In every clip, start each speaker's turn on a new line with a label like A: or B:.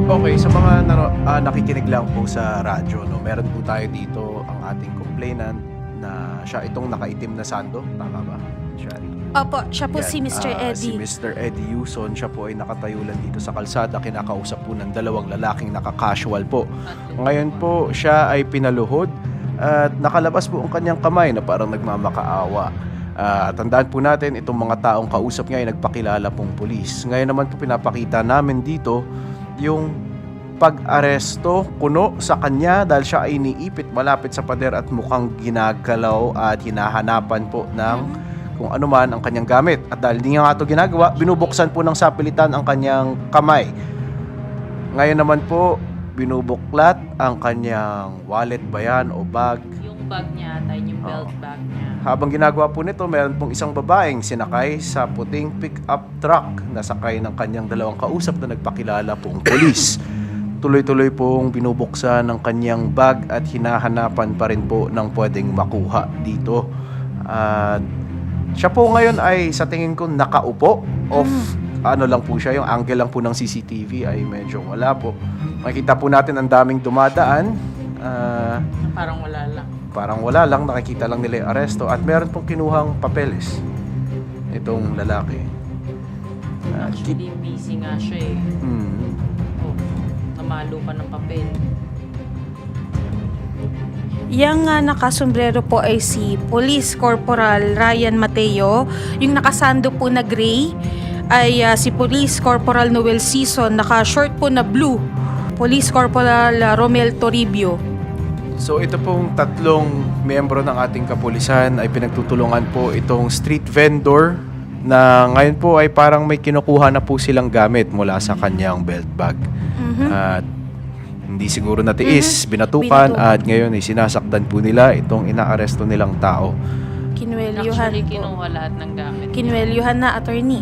A: Okay, sa mga nakikinig lang po sa radyo, no, meron po tayo dito ang ating complainant na siya itong nakaitim na sando, tama ba, Shari?
B: Opo, siya po
A: Yan,
B: si Mr.
A: Si
B: Eddie.
A: Mr. Eddie Yuson, siya po ay nakatayo lang dito sa kalsada, kinakausap po ng dalawang lalaking naka-casual po. Ngayon po, siya ay pinaluhod at nakalabas po ang kanyang kamay na parang nagmamakaawa. Tandaan po natin, itong mga taong kausap niya ay nagpakilala pong pulis. Ngayon naman po pinapakita namin dito yung pag-aresto kuno sa kanya dahil siya ay iniipit malapit sa pader at mukhang ginagalaw at hinahanapan po ng kung ano man ang kanyang gamit. At dahil hindi nga ito ginagawa, binubuksan po ng sapilitan ang kanyang kamay. Ngayon naman po, binubuklat ang kanyang wallet ba yan o bag.
C: Yung bag niya ata, yung belt bag niya.
A: Habang ginagawa po nito, meron pong isang babaeng sinakay sa puting pick-up truck na sakay ng kanyang dalawang kausap na nagpakilala pong polis. Tuloy-tuloy pong binubuksan ng kanyang bag at hinahanapan pa rin po ng pwedeng makuha dito. At siya po ngayon ay sa tingin ko nakaupo. Ano lang po siya, yung angle lang po ng CCTV ay medyo wala po. Makikita po natin ang daming dumadaan.
C: Parang wala lang.
A: Parang wala lang, nakikita lang nila yung aresto. At meron pong kinuhang papeles itong lalaki.
C: Actually, busy nga siya eh. Oh, namalo pa ng papel.
B: Yang nakasombrero po ay si Police Corporal Ryan Mateo. Yung nakasando po na gray ay si Police Corporal Noel Season. Naka-short po na blue, Police Corporal Romel Toribio.
A: So ito pong tatlong miyembro ng ating kapulisan ay pinagtutulungan po itong street vendor na ngayon po ay parang may kinukuha na po silang gamit mula sa kanyang belt bag. At hindi siguro natiis, binatukan at ngayon ay sinasaktan po nila itong inaaresto nilang tao.
B: Kinuwelyuhan
C: Actually,
B: po.
C: kinuha lahat ng gamit.
B: Kinuwelyuhan na, attorney.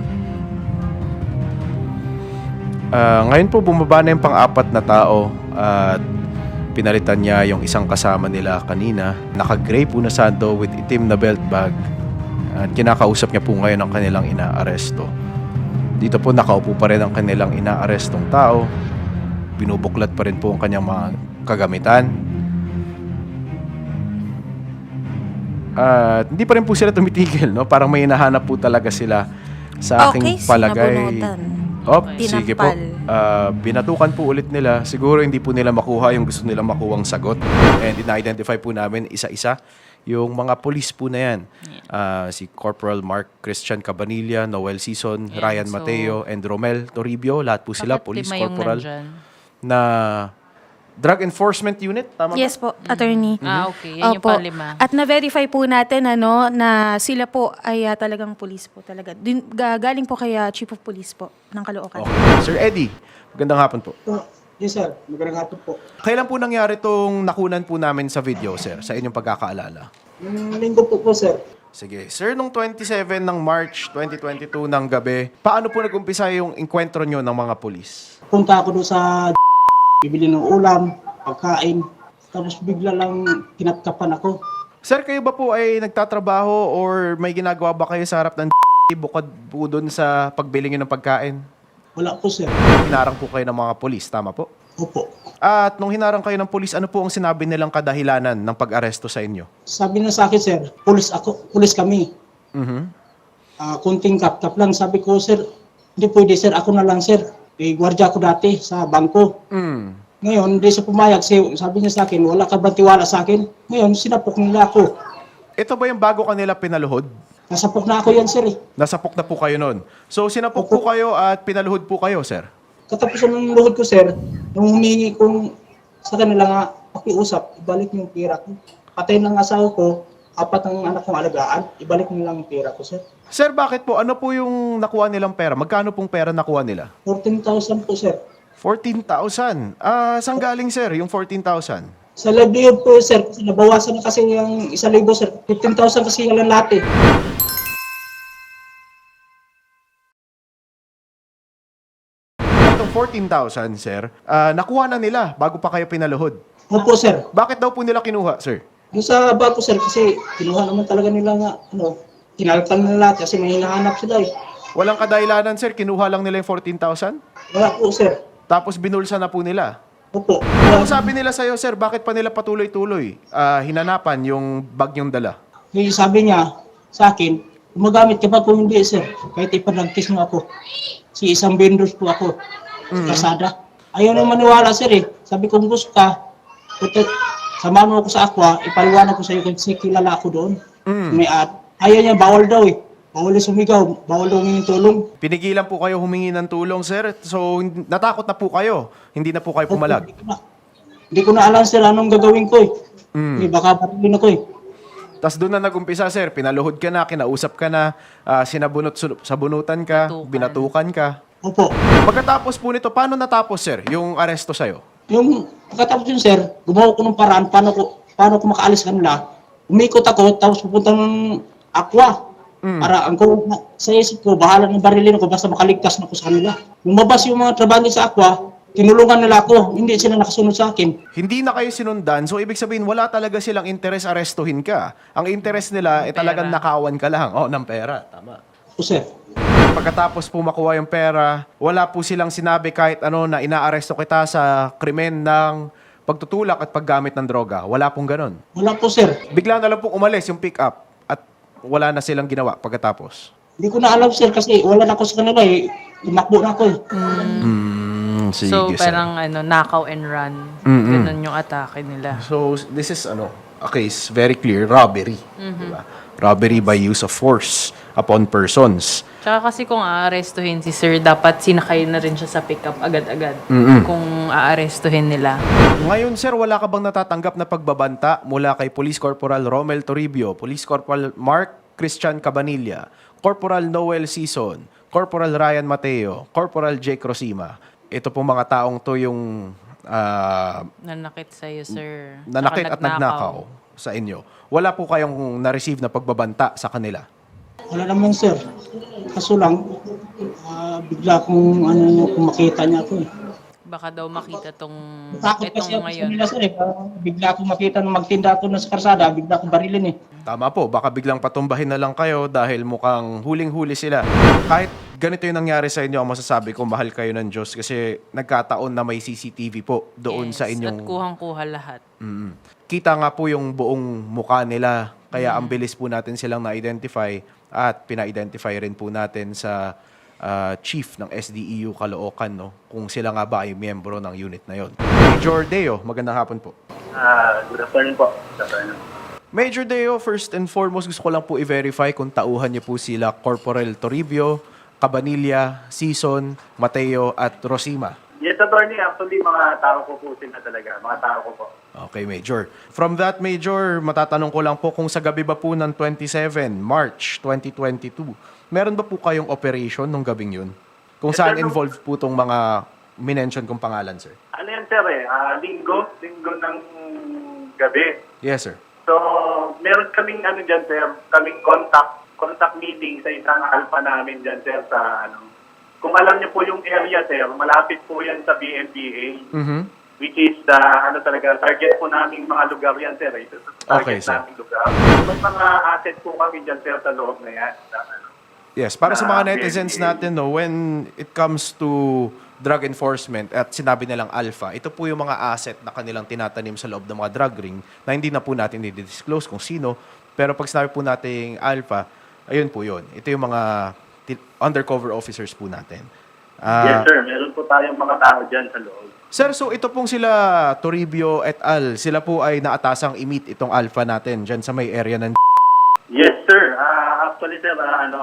A: Ngayon po bumaba na yung pang-apat na tao at pinalitan niya yung isang kasama nila kanina. Naka-gray po na sando with itim na belt bag. At kinakausap niya po ngayon ang kanilang inaaresto. Dito po nakaupo pa rin ang kanilang inaarestong tao. Binubuklat pa rin po ang kanyang mga kagamitan. At hindi pa rin po sila tumitigil, no? Parang may hinahanap po talaga sila sa aking palagay.
B: sinabunutan.
A: Sige po. Binatukan po ulit nila. Siguro hindi po nila makuha yung gusto nilang makuhang sagot. And ina-identify po namin isa-isa yung mga police po na yan. Si Corporal Mark Christian Cabanilla, Noel Season,
C: Yeah,
A: Ryan
C: so,
A: Mateo, and Romel Toribio. Lahat po sila
C: Bakit
A: police
C: lima yung
A: corporal
C: nandyan?
A: na Drug Enforcement Unit. Tama
B: Yes po, attorney.
C: Okay. Yan yung
B: Opo.
C: palima.
B: At na-verify po natin na sila po ay talagang police po talaga. Galing po kay Chief of Police po ng Caloocan.
A: Okay. Sir Eddie, magandang hapon po.
D: Yes, sir. Magandang hapon po.
A: Kailan po nangyari itong nakunan po namin sa video, sir, sa inyong pagkakaalala?
D: Linggo po, sir.
A: Sige. Sir, nung 27 ng March 2022 ng gabi, paano po nag-umpisa yung enkwentro nyo ng mga polis?
D: Punta ako doon sa bibili ng ulam, pagkain. Tapos bigla lang kinatkapan ako.
A: Sir, kayo ba po ay nagtatrabaho or may ginagawa ba kayo sa harap ng bukod po doon sa pagbili nyo ng pagkain?
D: Wala po, sir.
A: Hinarang po kayo ng mga polis, tama po?
D: Opo.
A: At nung hinarang kayo ng polis, ano po ang sinabi nilang kadahilanan ng pag-aresto sa inyo?
D: Sabi na sa akin, sir, pulis ako, pulis kami. Kunting kap lang. Sabi ko, sir, hindi pwede, sir. Ako na lang, sir. Gwardiya ako dati sa bangko. Ngayon, hindi siya pumayag. Sabi niya sa akin, wala ka ba tiwala sa akin? Ngayon, sinapok nila ako.
A: Ito ba yung bago kanila pinaluhod?
D: Nasapok na ako yan, sir.
A: Nasapok na po kayo nun. So, sinapok po kayo at pinaluhod po kayo, sir?
D: Katapusan ng luhod ko, sir, nung humingi kong sa kanila nga pakiusap, ibalik yung pera ko. Patay ng asawa ko, 4 ang anak kong alagaan, ibalik nyo lang yung pera ko, sir.
A: Sir, bakit po? Ano po yung nakuha nilang pera? Magkano pong pera nakuha nila?
D: 14,000 po, sir.
A: 14,000. Saan galing, sir, yung 14,000?
D: Sa livelihood po, sir, kasi nabawasan na kasi yung 1,000, sir. 15,000 kasi yung lahat, eh.
A: Itong 14,000, sir, nakuha na nila bago pa kayo pinaluhod.
D: Opo, sir.
A: Bakit daw po nila kinuha, sir?
D: Yung sa bako, sir, kasi kinuha naman talaga nila nga, kinaltan nila kasi may hinahanap sila, eh.
A: Walang kadahilanan, sir. Kinuha lang nila yung 14,000?
D: Wala po, sir.
A: Tapos binulsa na po nila.
D: Opo.
A: Ano sabi nila sa'yo, sir? Bakit pa nila patuloy-tuloy hinanapan yung bag yung dala?
D: Kaya sabi niya sa akin, gumagamit ka ba kung hindi, sir? Kahit ipanagkis mo ako. Si isang vendors po ako sa kasada. Ayaw na maniwala, sir eh. Sabi ko, kung gusto ka, samahan mo ako sa aqua, ipaliwanag ko sa iyo kasi kilala ako doon. May ayaw niya, bawal daw eh. Bawal sumigaw, bawal daw humingi tulong.
A: Pinigilan po kayo humingi ng tulong, sir. So, natakot na po kayo. Hindi na po kayo pumalag.
D: Hindi ko na alam, sir, anong gagawin ko eh. Baka patigin ako eh.
A: Tapos doon na nag-umpisa, sir. Pinaluhod ka na, kinausap ka na, sabunutan ka, binatukan ka.
D: Opo.
A: Pagkatapos po nito, paano natapos, sir, yung aresto sa'yo?
D: Yung pagkatapos yun, sir, gumawa ko ng paraan paano ko makaalis kanila. Umikot ako, tapos pupunta ng aqua. Para sa isip ko, bahala ng barilin ko basta makaligtas na ako sa kanila. Lumabas yung mga trabante sa aqua, tinulungan nila ako, hindi sila nakasunod sa akin.
A: Hindi na kayo sinundan, so ibig sabihin, wala talaga silang interes arestuhin ka. Ang interes nila, talagang nakawan ka lang. Oh, ng pera. Tama.
D: O, sir.
A: Pagkatapos po makuha yung pera, wala po silang sinabi kahit ano na inaaresto kita sa krimen ng pagtutulak at paggamit ng droga. Wala pong ganon.
D: Wala po, sir.
A: Bigla na lang pong umalis yung pick-up at wala na silang ginawa pagkatapos.
D: Hindi ko na alam, sir, kasi wala na ako sa kanila eh. Tumakbo na ako eh.
A: Sige,
C: So,
A: sir.
C: parang knockout and run. Ganun yung atake nila.
A: So, this is a case very clear, robbery. Diba? Robbery by use of force upon persons.
C: Tsaka kasi kung aarestuhin si sir, dapat sinakay na rin siya sa pickup agad-agad. Kung aarestuhin nila.
A: Ngayon, sir, wala ka bang natatanggap na pagbabanta mula kay Police Corporal Romel Toribio, Police Corporal Mark Christian Cabanilla, Corporal Noel Sison, Corporal Ryan Mateo, Corporal Jake Rosima? Ito pong mga taong to yung
C: Nanakit sa'yo, sir.
A: nanakit
C: Tsaka
A: at nagnakaw sa inyo. Wala po kayong na-receive na pagbabanta sa kanila?
D: Wala naman, sir. Kaso lang, bigla kung kung makita niya ako eh.
C: Baka daw makita tong
D: Takot kasi
C: itong
D: ako sa
C: ngayon.
D: kanila, sir eh. Bigla akong makita nung magtinda ako na sa karsada, bigla akong barilin eh.
A: Tama po, baka biglang patumbahin na lang kayo dahil mukhang huling-huli sila. Kahit ganito yung nangyari sa inyo, ang masasabi ko, mahal kayo ng Diyos kasi nagkataon na may CCTV po doon sa inyong...
C: At kuhang-kuha lahat.
A: Kita nga po yung buong mukha nila, kaya ang bilis po natin silang na-identify at pina-identify rin po natin sa chief ng SDEU Caloocan, no? Kung sila nga ba ay miyembro ng unit na yon. Major Deo, magandang hapon po.
E: Good afternoon po. Good afternoon.
A: Major Deo, first and foremost, gusto ko lang po i-verify kung tauhan niyo po sila Corporal Toribio, Cabanilla, Sison, Mateo, at Rosima.
E: Yes, attorney. Actually, mga tao ko po sila talaga. Mga tao ko po.
A: Okay, Major. From that, Major, matatanong ko lang po kung sa gabi ba po ng 27 March 2022, meron ba po kayong operation nung gabing yun? Kung
E: Yes,
A: saan
E: sir.
A: involved po itong mga minention kong pangalan, sir?
E: Ano yan, sir eh? Linggo ng gabi.
A: Yes, sir.
E: So, meron kaming dyan, sir, kaming contact meeting sa isang alpha namin dyan, sir, sa Kung alam niyo po yung area, sir, malapit po yan sa BMPA, which is the, target po namin mga lugar yan, sir. Ito sa
A: Okay,
E: target
A: sir.
E: namin lugar. May mga asset po kami dyan, sir, sa loob na yan.
A: Yes, para sa mga
E: Na
A: netizens
E: BMPA.
A: natin, no, when it comes to drug enforcement at sinabi nilang alpha, ito po yung mga asset na kanilang tinatanim sa loob ng mga drug ring na hindi na po natin i-disclose kung sino. Pero pag sinabi po nating alpha, ayun po yun. Ito yung mga undercover officers po natin.
E: Yes, sir. Meron po tayong mga tao dyan sa loob.
A: Sir, so ito pong sila Toribio et al. Sila po ay naatasang i-meet itong alpha natin dyan sa may area ng...
E: Yes, sir. Actually, sir,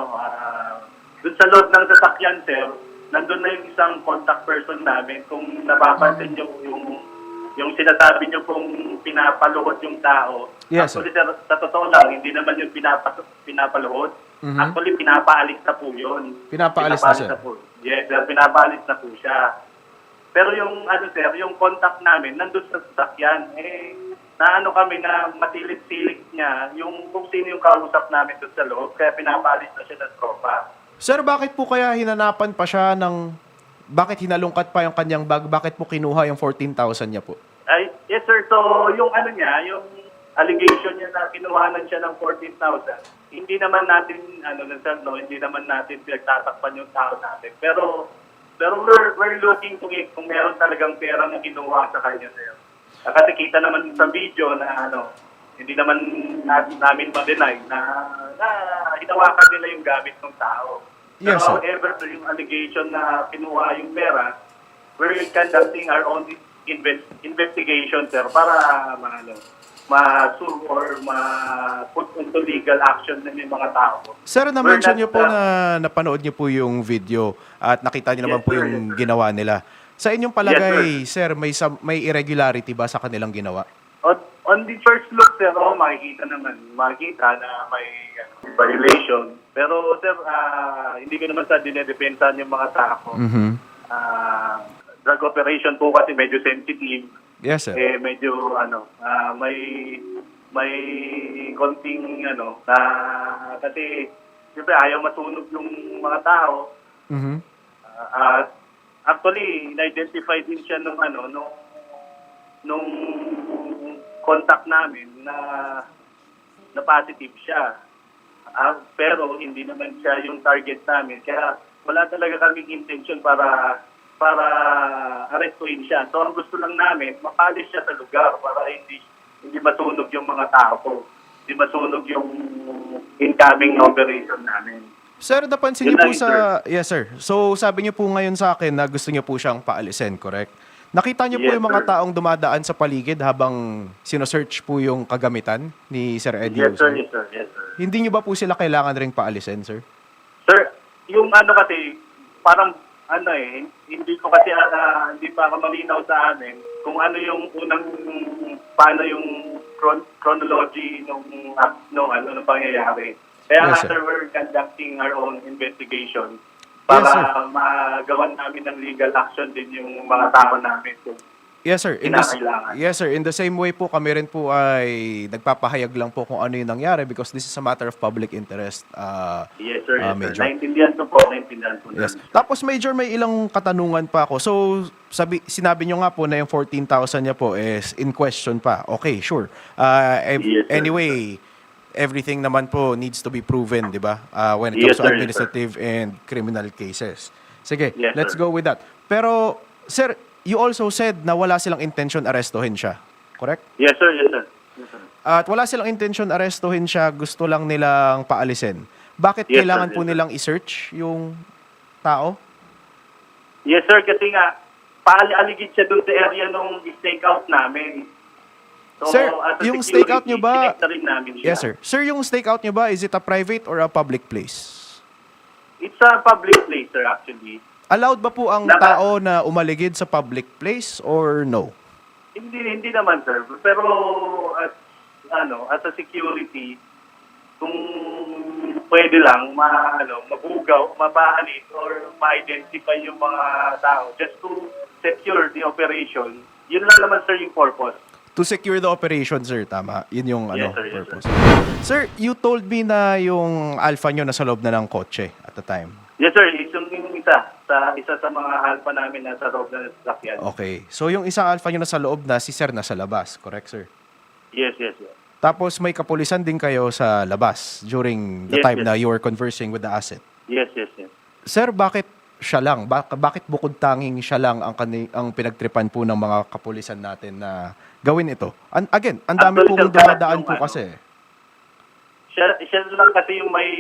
E: dun sa loob ng sasakyan, sir, nandun na yung isang contact person namin. Kung napapansin nyo yung sinasabi nyo pong pinapaluhod yung tao.
A: Yes, sir.
E: Actually, sir, sa totoo lang, hindi naman yung pinapaluhod. Actually, pinapaalis na po yun.
A: Pinapaalis na, sir.
E: po. Yes, sir, pinapaalis na po siya. Pero yung, sir, yung contact namin, nandun sa sasakyan, kami na matilit-silit niya yung kung sino yung kausap namin doon sa loob, kaya pinapaalis na siya ng tropa.
A: Sir, bakit po kaya hinanapan pa siya ng... Bakit hinalungkat pa yung kanyang bag? Bakit po kinuha yung 14,000 niya po?
E: Yes, sir. So, yung yung allegation niya na kinuhanan siya ng 14,000, hindi naman natin, hindi naman natin pinagtatakpan yung tao natin. Pero, Pero we're looking to it kung meron talagang pera na kinuha sa kanya, sir. Kasi kita naman sa video na hindi naman namin ma-deny na hinawakan nila yung gamit ng tao. Pero
A: Yes, sir.
E: however, yung allegation na kinuha yung pera, we're conducting our own investigation, sir, para ma-sue or ma-put into legal action ng yung mga tao.
A: Sir,
E: We're
A: na-mention
E: not,
A: niyo po na napanood niyo po yung video at nakita niyo naman
E: Yes,
A: po
E: sir.
A: yung ginawa nila. Sa inyong palagay, sir, may irregularity ba sa kanilang ginawa?
E: On the first look, sir, makikita na may violation. Pero, sir, hindi ko naman sa dinedepensahan yung mga tao. Drug operation po kasi medyo sensitive.
A: Yes, sir.
E: Medyo, may konting, kasi, siyempre, ayaw masunog yung mga tao. Actually, na-identify din siya nung contact namin na positive siya. Pero hindi naman siya yung target namin. Kaya wala talaga kaming intention para arrestuin siya. So ang gusto lang namin, mapalis siya sa lugar para hindi masunog yung mga tao. Hindi masunog yung incoming operation namin.
A: Sir, napansin
E: Yun
A: niyo po
E: lang,
A: sa... Yes, sir. So, sabi niyo po ngayon sa akin na gusto niyo po siyang paalisin, correct? Nakita niyo po
E: Yes,
A: yung mga
E: sir.
A: taong dumadaan sa paligid habang sinosearch po yung kagamitan ni Sir Eddie
E: Yes, sir.
A: Uson?
E: Yes, sir. Yes, sir.
A: Hindi niyo ba po sila kailangan ring paalisin, sir?
E: Sir, yung kasi, parang, hindi ko kasi, hindi pa malinaw sa amin kung ano yung paano yung chronology nung pangyayari. Kaya
A: Yes, sir.
E: sir, we're conducting our own investigation
A: Yes,
E: para
A: sir.
E: magawan namin ng legal action din yung mga tao namin. So,
A: Yes, sir.
E: Kinakailangan.
A: Yes, sir. In the same way po, kami rin po ay nagpapahayag lang po kung ano yung nangyari because this is a matter of public interest.
E: yes, sir. Yes, sir.
A: Major.
E: Naintindihan ko po.
A: Yes. Tapos, Major, may ilang katanungan pa ako. So, sinabi nyo nga po na yung 14,000 niya po is in question pa. Okay, sure.
E: Yes, sir.
A: Anyway, everything naman po needs to be proven, di ba? When it
E: Yes,
A: comes to
E: sir.
A: administrative and criminal cases. Sige,
E: Yes,
A: let's
E: sir.
A: go with that. Pero, sir, you also said na wala silang intention arestuhin siya. Correct?
E: Yes, sir. Yes, sir. Yes, sir.
A: At wala silang intention arestuhin siya, gusto lang nilang paalisin. Bakit
E: Yes,
A: kailangan
E: sir.
A: po
E: Yes, sir.
A: nilang i-search yung tao?
E: Yes, sir. Kasi nga, paaligid siya dun sa area nung stakeout namin. So,
A: Sir,
E: as a
A: yung
E: security,
A: stakeout nyo ba...
E: sinekta rin namin siya.
A: Yes, sir. Sir, yung stakeout nyo ba, is it a private or a public place?
E: It's a public place, sir, actually.
A: Allowed ba po ang tao na umaligid sa public place or no?
E: Hindi naman, sir. Pero, as a security, kung pwede lang, mabugaw, mabahalit, or ma-identify yung mga tao just to secure the operation, yun lang naman, sir, yung purpose.
A: To secure the operation, sir. Tama. Yun yung
E: Yes, sir. Yes,
A: purpose. Sir, you told me na yung alpha nyo nasa loob na ng kotse at the time.
E: Yes, sir. Yung isa sa mga alpha namin nasa loob na sasakyan.
A: Okay. So, yung isang alpha nyo nasa loob na, si sir nasa labas. Correct, sir?
E: Yes, yes, yes.
A: Tapos, may kapulisan din kayo sa labas during the
E: Yes,
A: time
E: yes.
A: na you were conversing with the asset.
E: Yes, yes, yes.
A: Sir, bakit siya lang? Bakit bukod tanging siya lang ang pinagtripan po ng mga kapulisan natin na gawin ito? Again, ang dami
E: Actually,
A: pong
E: sir,
A: dumadaan
E: yung
A: po kasi.
E: Siya lang kasi yung may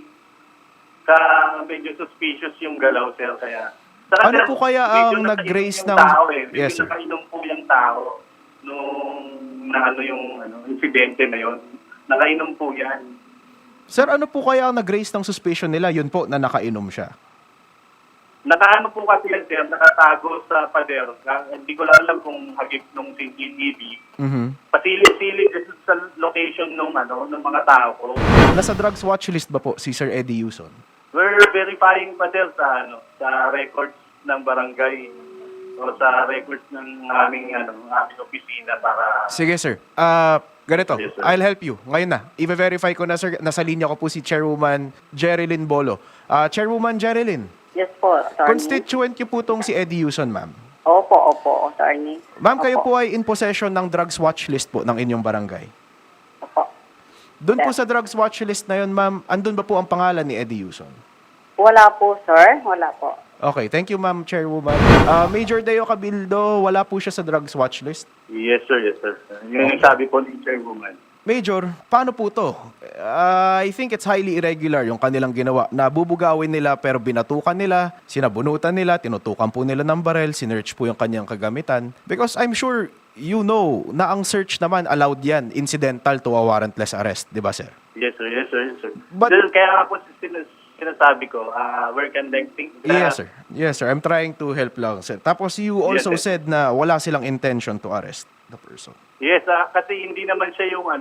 E: medyo suspicious yung galaw, sir. Kaya,
A: Ano po kaya ang
E: medyo
A: nag-raise
E: nakainom yung
A: ng...
E: tao, eh. Medyo
A: Yes, sir.
E: nakainom po yung tao nung insidente na yon. Nakainom po yan.
A: Sir, ano po kaya ang nag-raise ng suspicion nila? Yun po, na nakainom siya.
E: Nakaano po kasi yan, sir, nakatago sa pader. Hindi ko lang alam kung hagip nung CCTV. Pasilip-silip sa location ng mga tao ko.
A: Nasa drugs watch list ba po si Sir Eddie Uson?
E: We're verifying pa, sir, sa records ng barangay o sa records ng aming opisina para...
A: Sige, sir. Ganito,
E: Yes, sir.
A: I'll help you. Ngayon na, i-verify ko na, sir. Nasa linya ko po si Chairwoman Jerilyn Bolo. Chairwoman Jerilyn,
F: Yes po, attorney.
A: constituent niyo po tong si Eddie Uson, ma'am.
F: Opo, attorney.
A: Ma'am, kayo
F: Opo.
A: po ay in possession ng drugs watch list po ng inyong barangay.
F: Opo.
A: Doon po sa drugs watch list na yun, ma'am, andun ba po ang pangalan ni Eddie Uson?
F: Wala po, sir. Wala po.
A: Okay, thank you Ma'am Chairwoman. Major Deo Cabildo, wala po siya sa drugs watch list.
E: Yes, sir. Yes, sir. Yun yung sabi po ni Chairwoman.
A: Major, paano po to? I think it's highly irregular yung kanilang ginawa. Nabubugawin nila pero binatukan nila, sinabunutan nila, tinutukan po nila ng barel, sinearch po yung kanyang kagamitan. Because I'm sure you know na ang search naman allowed yan, incidental to a warrantless arrest, di ba sir?
E: Yes, sir. Yes, sir. Yes, sir.
A: But-
E: Sir, kaya nga po sinasabi ko, we're conducting...
A: Yes sir. Yes sir, I'm trying to help lang sir. Tapos you also
E: Yes, sir.
A: said na wala silang intention to arrest the person.
E: Yes, kasi hindi naman siya yung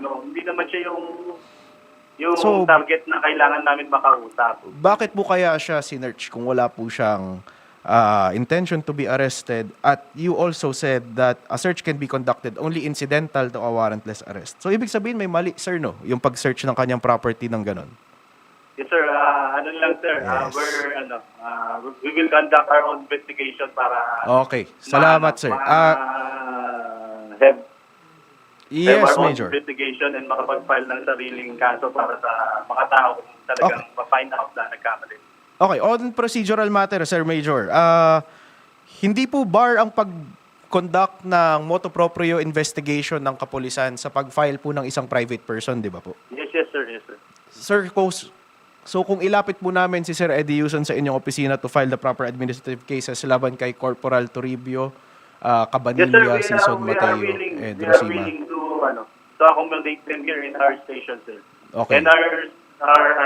A: So-
E: target na kailangan namin makausap.
A: Bakit po kaya siya sinearch kung wala po siyang intention to be arrested? At you also said that a search can be conducted only incidental to a warrantless arrest. So ibig sabihin may mali sir no, yung pag-search ng kanyang property ng ganon.
E: Yes, sir. Ano lang, sir.
A: Yes.
E: We will conduct our own investigation para...
A: Okay, salamat sir.
E: Have
A: Yes
E: our own
A: Major.
E: investigation and makapag-file ng sariling kaso para sa mga tao kung talagang ma-find out na nagkamali.
A: Okay, on procedural matter sir Major. Hindi po bar ang pag-conduct ng motu proprio investigation ng kapulisan sa pag-file po ng isang private person, di ba po?
E: Yes, yes, sir. Yes, sir.
A: Sir, so kung ilapit po namin si Sir Eddie Yuson sa inyong opisina to file the proper administrative cases laban kay Corporal Toribio,
E: Yes, sir.
A: Cabanilla, Sison
E: We are
A: Mateo,
E: willing,
A: and
E: we are
A: Rosima.
E: willing to accommodate them here in our station, sir.
A: Okay.
E: And our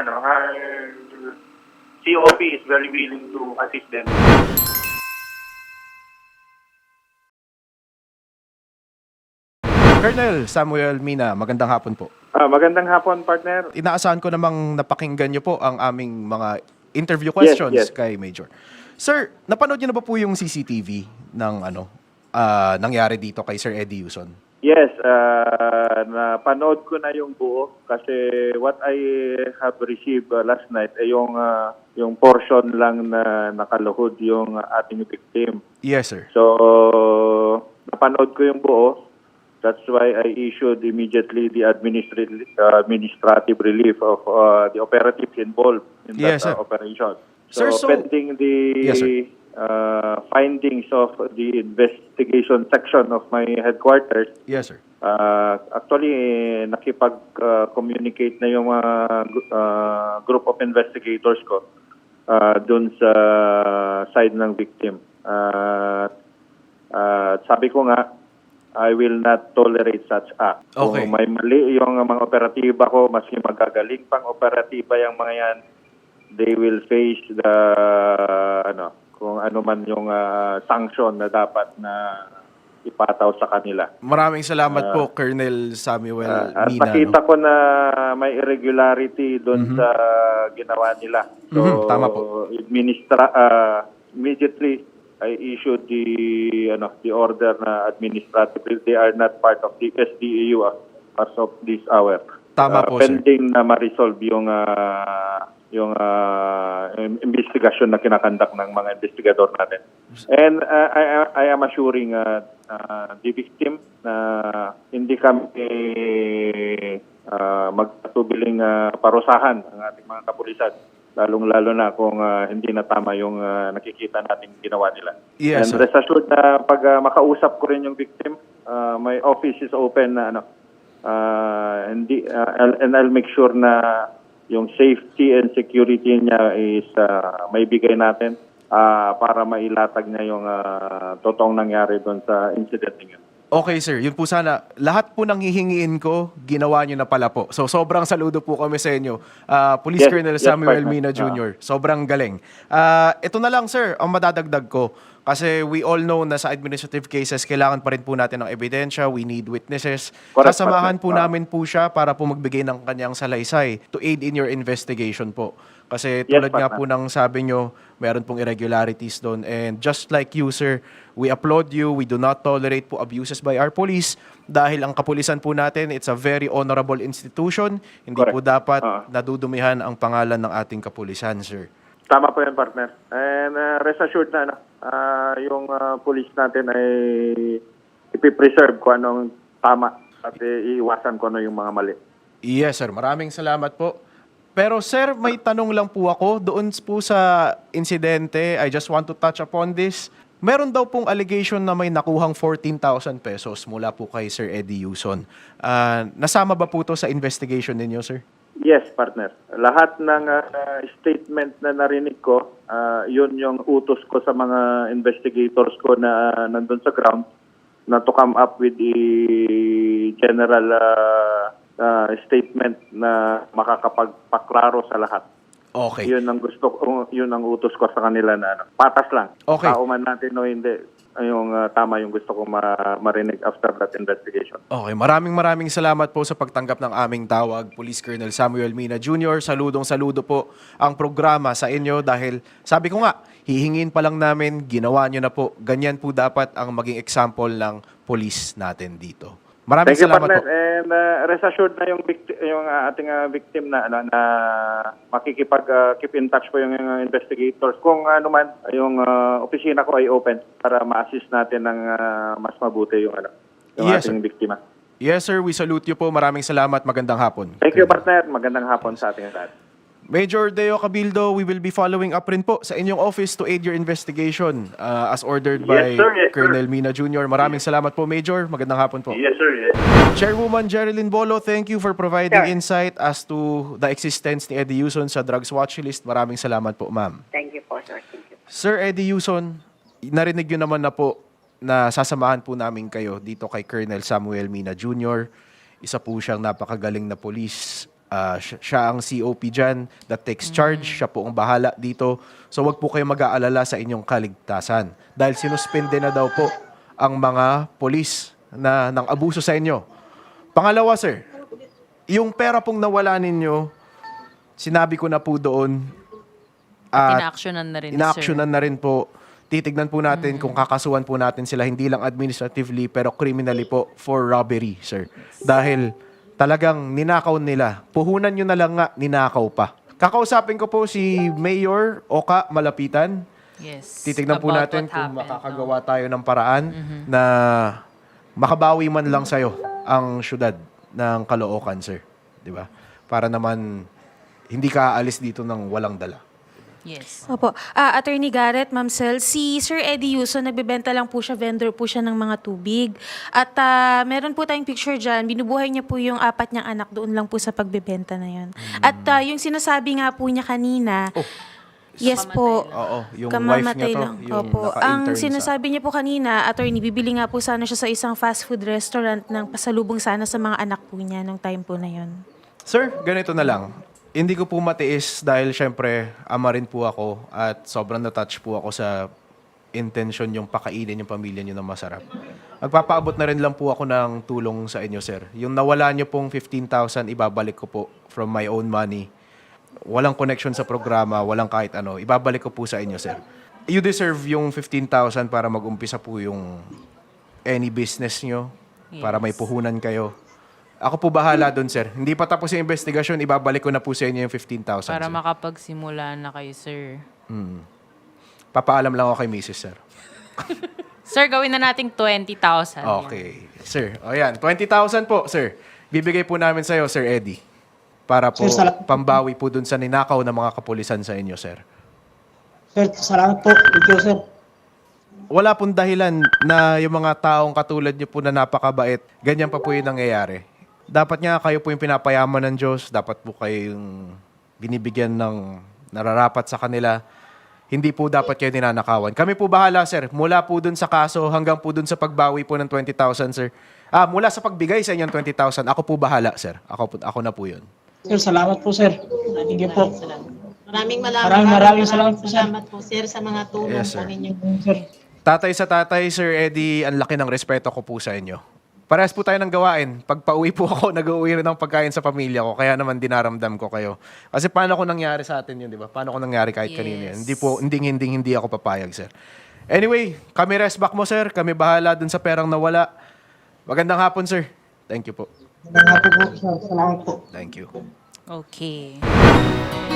E: COP is very willing to assist them.
A: Colonel Samuel Mina, magandang hapon po.
G: Magandang hapon, partner.
A: Inaasahan ko namang napakinggan niyo po ang aming mga interview questions
G: yes.
A: kay Major. Sir, napanood niyo na ba po yung CCTV ng nangyari dito kay Sir Eddie Yuson?
G: Yes, napanood ko na yung buo kasi what I have received last night ay yung portion lang na nakaluhod yung ating victim.
A: Yes, sir.
G: So, napanood ko yung buo. That's why I issued immediately the administrative relief of the operatives involved in
A: Yes,
G: that
A: sir.
G: operation.
A: Sir, so-
G: pending the
A: Yes, sir.
G: findings of the investigation section of my headquarters,
A: Yes, sir.
G: actually nakipag-communicate na yung group of investigators ko dun sa side ng victim. Sabi ko nga, I will not tolerate such act.
A: Okay.
G: Kung may mali yung mga operatiba ko, maski magagaling pang operatiba yung mga yan, they will face the kung ano man yung sanction na dapat na ipataw sa kanila.
A: Maraming salamat po, Colonel Samuel
G: At
A: Mina.
G: nakita ko na may irregularity doon sa ginawa nila. So,
A: Tama po.
G: immediately I issued the order na administrative. They are not part of the SDEU as of this hour.
A: Tama po, sir.
G: Pending na ma-resolve yung investigasyon na kinakandak ng mga investigador natin. And I am assuring the victim na hindi kami magpatubiling parusahan ang ating mga kapulisan. Lalong-lalo na kung hindi na tama yung nakikita nating ginawa nila.
A: Yes,
G: And
A: sir.
G: rest assured na pag makausap ko rin yung victim, my office is open na and I'll make sure na yung safety and security niya is may bigay natin para mailatag niya yung totoong nangyari doon sa incident niya.
A: Okay, sir. Yun po sana. Lahat po ng hihingiin ko, ginawa nyo na pala po. So, sobrang saludo po kami sa inyo. Police
G: Yes,
A: Colonel
G: yes,
A: Samuel
G: partner.
A: Mina Jr. Sobrang galing. Ito na lang, sir, ang madadagdag ko. Kasi we all know na sa administrative cases, kailangan pa rin po natin ng ebidensya. We need witnesses.
G: Correct,
A: Sasamahan po
G: partner.
A: namin po siya para po magbigay ng kanyang salaysay to aid in your investigation po. Kasi
G: Yes,
A: tulad nga
G: partner.
A: po ng sabi nyo, meron pong irregularities doon. And just like you, sir, we applaud you. We do not tolerate po abuses by our police dahil ang kapulisan po natin, it's a very honorable institution. Hindi po
G: Correct.
A: dapat
G: Oo.
A: nadudumihan ang pangalan ng ating kapulisan, sir.
G: Tama po yan, partner. And rest assured na yung police natin ay ipipreserve kung anong tama at iiwasan ko ano yung mga mali.
A: Yes, sir. Maraming salamat po. Pero sir, may tanong lang po ako doon po sa insidente. I just want to touch upon this. Meron daw pong allegation na may nakuhang 14,000 pesos mula po kay Sir Eddie Yuson. Nasama ba po to sa investigation ninyo, sir?
G: Yes, partner. Lahat ng statement na narinig ko, yun yung utos ko sa mga investigators ko na nandun sa ground na to come up with the general statement na makakapagpaklaro sa lahat.
A: Okay.
G: Yun ang yun ang utos ko sa kanila na patas lang.
A: Okay.
G: Tao man natin o hindi, yung tama yung gusto ko marinig after that investigation.
A: Okay, maraming salamat po sa pagtanggap ng aming tawag, Police Colonel Samuel Mina Jr. Saludo po ang programa sa inyo dahil sabi ko nga, hihingin pa lang namin, ginawa nyo na po. Ganyan po dapat ang maging example ng police natin dito. Maraming
G: Thank you,
A: salamat
G: partner.
A: po.
G: And rest assured na yung ating victim na makikipag keep in touch po yung investigators. Kung ano man, yung opisina ko ay open para ma-assist natin ng mas mabuti yung
A: Yes,
G: ating biktima.
A: Yes sir, we salute you po. Maraming salamat. Magandang hapon.
G: Thank you, partner. Magandang hapon sa ating lahat.
A: Major Deo Cabildo, we will be following up rin po sa inyong office to aid your investigation as ordered by
E: Yes, sir. Yes, sir.
A: Colonel Mina Jr. Maraming salamat po, Major. Magandang hapon po.
E: Yes, sir. Yes.
A: Chairwoman Jerilyn Bolo, thank you for providing
F: Sir.
A: insight as to the existence ni Eddie Yuson sa drugs watch list. Maraming salamat po, ma'am.
F: Thank you po, sir. Thank you.
A: Sir Eddie Yuson, narinig nyo naman na po na sasamahan po namin kayo dito kay Colonel Samuel Mina Jr. Isa po siyang napakagaling na police. Siya ang COP dyan that takes charge. Siya po ang bahala dito. So wag po kayo mag-aalala sa inyong kaligtasan. Dahil sinuspende na daw po ang mga polis na nang abuso sa inyo. Pangalawa, sir, yung pera pong nawala ninyo, sinabi ko na po doon,
C: Ina-actionan na rin,
A: ina-actionan na rin po. Titignan po natin kung kakasuhan po natin sila hindi lang administratively pero criminally po for robbery, sir. Dahil talagang ninakaw nila. Puhunan nyo na lang nga, ninakaw pa. Kakausapin ko po si Mayor Oka Malapitan.
C: Yes.
A: Titignan po
C: About
A: natin
C: what
A: kung
C: happened,
A: makakagawa tayo ng paraan na makabawi man lang sa'yo ang syudad ng Caloocan, sir. Di ba? Para naman hindi ka aalis dito ng walang dala.
C: Yes.
B: Opo. Attorney Garrett, Ma'am Sel, si Sir Eddie Yuson, nagbebenta lang po siya, vendor po siya ng mga tubig. At meron po tayong picture dyan, binubuhay niya po yung 4 niyang anak doon lang po sa pagbebenta na yun. At yung sinasabi nga po niya kanina, yes po,
A: Oo, yung wife
B: kamamatay
A: niya to,
B: lang.
A: yung
B: Opo.
A: naka-intern
B: Ang
A: sa-
B: sinasabi niya po kanina, attorney, bibili nga po sana siya sa isang fast food restaurant ng pasalubong sana sa mga anak po niya nung time po na yun.
A: Sir, ganito na lang. Hindi ko po matiis dahil syempre ama rin po ako at sobrang na-touch po ako sa intention yung pakainin yung pamilya niyo na masarap. Magpapaabot na rin lang po ako ng tulong sa inyo, sir. Yung nawala niyo pong 15,000, ibabalik ko po from my own money. Walang connection sa programa, walang kahit ano. Ibabalik ko po sa inyo, sir. You deserve yung 15,000 para mag-umpisa po yung any business niyo, para may puhunan kayo. Ako po bahala doon, sir. Hindi pa tapos yung investigasyon, ibabalik ko na po sa inyo yung 15,000.
C: Para
A: sir.
C: makapagsimula na kayo, sir.
A: Papaalam lang ako kay Mrs. Sir.
C: Sir, gawin na nating 20,000.
A: Okay. Sir, o yan. 20,000 po, sir. Bibigay po namin sa'yo, Sir Eddie. Para po
D: Sir,
A: pambawi po dun sa ninakaw ng mga kapulisan sa inyo, sir.
D: Sir, salamat po. Thank you, sir.
A: Wala pong dahilan na yung mga taong katulad niyo po na napakabait, ganyan pa po yung nangyayari. Dapat nga kayo po yung pinapayaman ng Diyos, dapat po kayo yung binibigyan ng nararapat sa kanila. Hindi po dapat kayo ninanakawan. Kami po bahala, sir. Mula po dun sa kaso hanggang po dun sa pagbawi po ng 20,000, sir. Mula sa pagbigay sa inyong 20,000, ako po bahala, sir. Ako na po yun.
D: Sir, salamat po, sir. Thank you po.
F: Maraming
D: salamat po, sir.
F: salamat po, sir, sa mga tulong
A: Yes,
F: po
A: sir.
F: ninyo.
D: Sir,
A: Tatay sa tatay, Sir Eddie, ang laki ng respeto ko po sa inyo. Parehas po tayo ng gawain. Pag pauwi po ako, nag-uwi rin ng pagkain sa pamilya ko. Kaya naman dinaramdam ko kayo. Kasi paano ko nangyari sa atin yun, di ba? Paano ko nangyari kahit kanina yun? Hindi ako papayag, sir. Anyway, kami rest back mo, sir. Kami bahala dun sa perang nawala. Magandang hapon, sir. Thank you po.
D: salamat po, sir. Salamat po.
A: Thank you.
C: Okay.